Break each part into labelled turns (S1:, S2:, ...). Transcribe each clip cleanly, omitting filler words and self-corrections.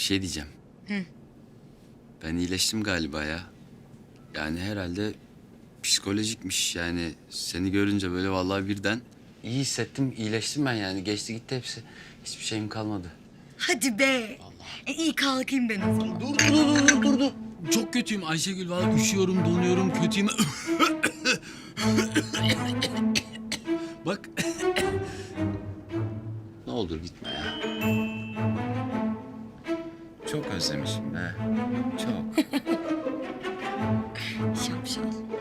S1: şey diyeceğim. Ben iyileştim galiba ya. Yani herhalde psikolojikmiş yani. Seni görünce böyle vallahi birden iyi hissettim, iyileştim ben yani. Geçti gitti hepsi. Hiçbir şeyim kalmadı.
S2: Hadi be. İyi kalkayım ben o zaman.
S1: Dur. Çok kötüyüm Ayşegül. Vallahi üşüyorum, donuyorum, kötüyüm. Bak. Ne olur gitme ya. Çok özlemişim be. Çok.
S2: Şapşal.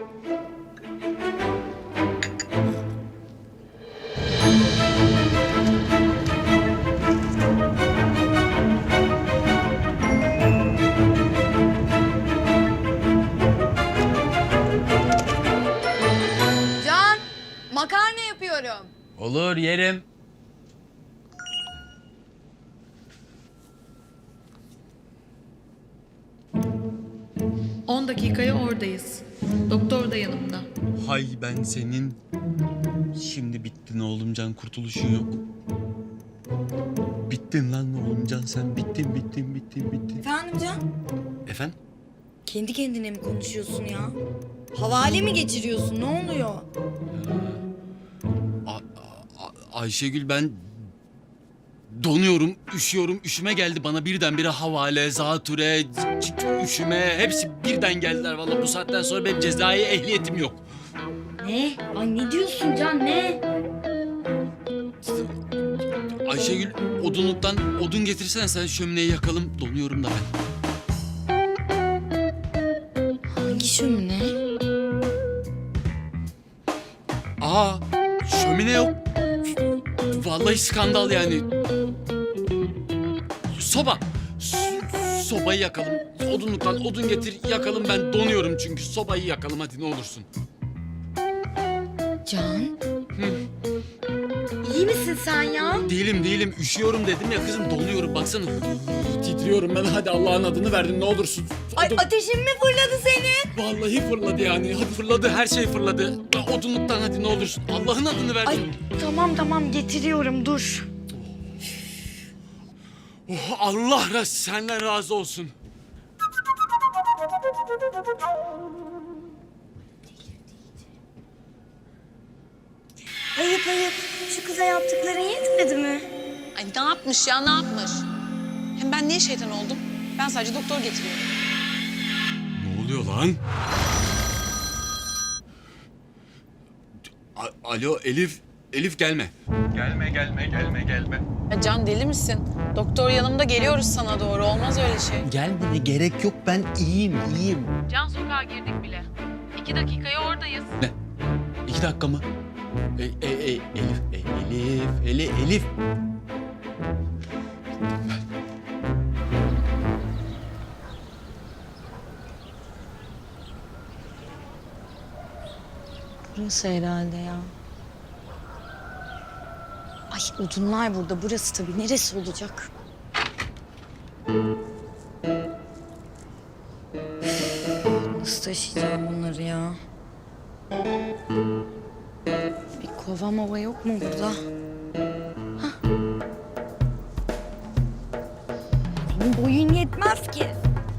S3: Can, makarna yapıyorum.
S1: Olur yerim.
S4: On dakikaya oradayız. Doktor da yanımda.
S1: Hay ben senin. Şimdi bittin oğlum Can, kurtuluşun yok. Bittin lan oğlum Can, sen bittin.
S2: Efendim Can?
S1: Efendim?
S2: Kendi kendine mi konuşuyorsun ya? Havale mi geçiriyorsun? Ne oluyor?
S1: Ayşegül ben donuyorum, üşüyorum. Üşüme geldi bana birdenbire, havale, zatüre, üşüme hepsi birden geldiler. Vallahi bu saatten sonra benim cezai ehliyetim yok.
S2: Ne? Ay ne diyorsun Can ne?
S1: Ayşegül odunluktan odun getirsene, sen şömineyi yakalım. Donuyorum da ben.
S2: Hangi şömine?
S1: Aa, şömine yok. Vallahi skandal yani. Soba. Sobayı yakalım. Odunluktan odun getir yakalım, ben donuyorum çünkü. Sobayı yakalım hadi ne olursun.
S2: Can? İyi misin sen ya?
S1: Değilim. Üşüyorum dedim ya kızım, donuyorum. Baksana. Titriyorum ben. Hadi Allah'ın adını verdin ne olursun.
S2: Ay ateşin mi fırladı senin?
S1: Vallahi fırladı yani. Hadi fırladı. Her şey fırladı. Odunluktan hadi ne olursun. Allah'ın adını verdin.
S2: Ay tamam getiriyorum dur.
S1: Oh, Allah senden razı olsun.
S2: Ayıp. Şu kıza yaptıkların yetmedi mi?
S3: Ay ne yapmış ya, ne yapmış? Hem ben niye şeytan oldum? Ben sadece doktor getiriyorum.
S1: Ne oluyor lan? Alo Elif. Elif gelme. Gelme.
S3: Ya Can deli misin? Doktor yanımda, geliyoruz sana doğru. Olmaz öyle şey.
S1: Gelmene gerek yok, ben iyiyim.
S4: Can sokağa girdik bile. 2 dakikaya oradayız.
S1: Ne? 2 dakika mı? Elif.
S2: Burası herhalde ya. Ay odunlar burada. Burası tabii. Neresi olacak? Nasıl taşıyacağım bunları ya? Bir kova mova yok mu burada? Hah. Senin boyun yetmez ki.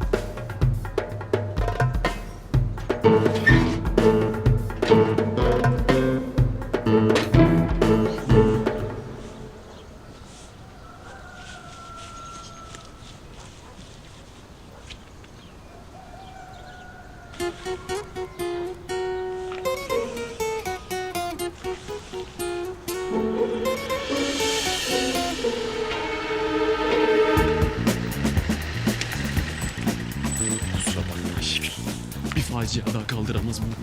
S1: Kusura bakma Ayşegül. Bir facia daha kaldıramaz mı?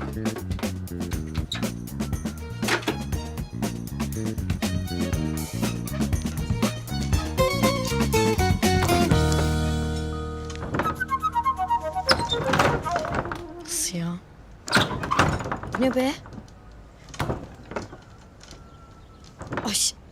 S2: Nasıl ya? Bu ne be? Ay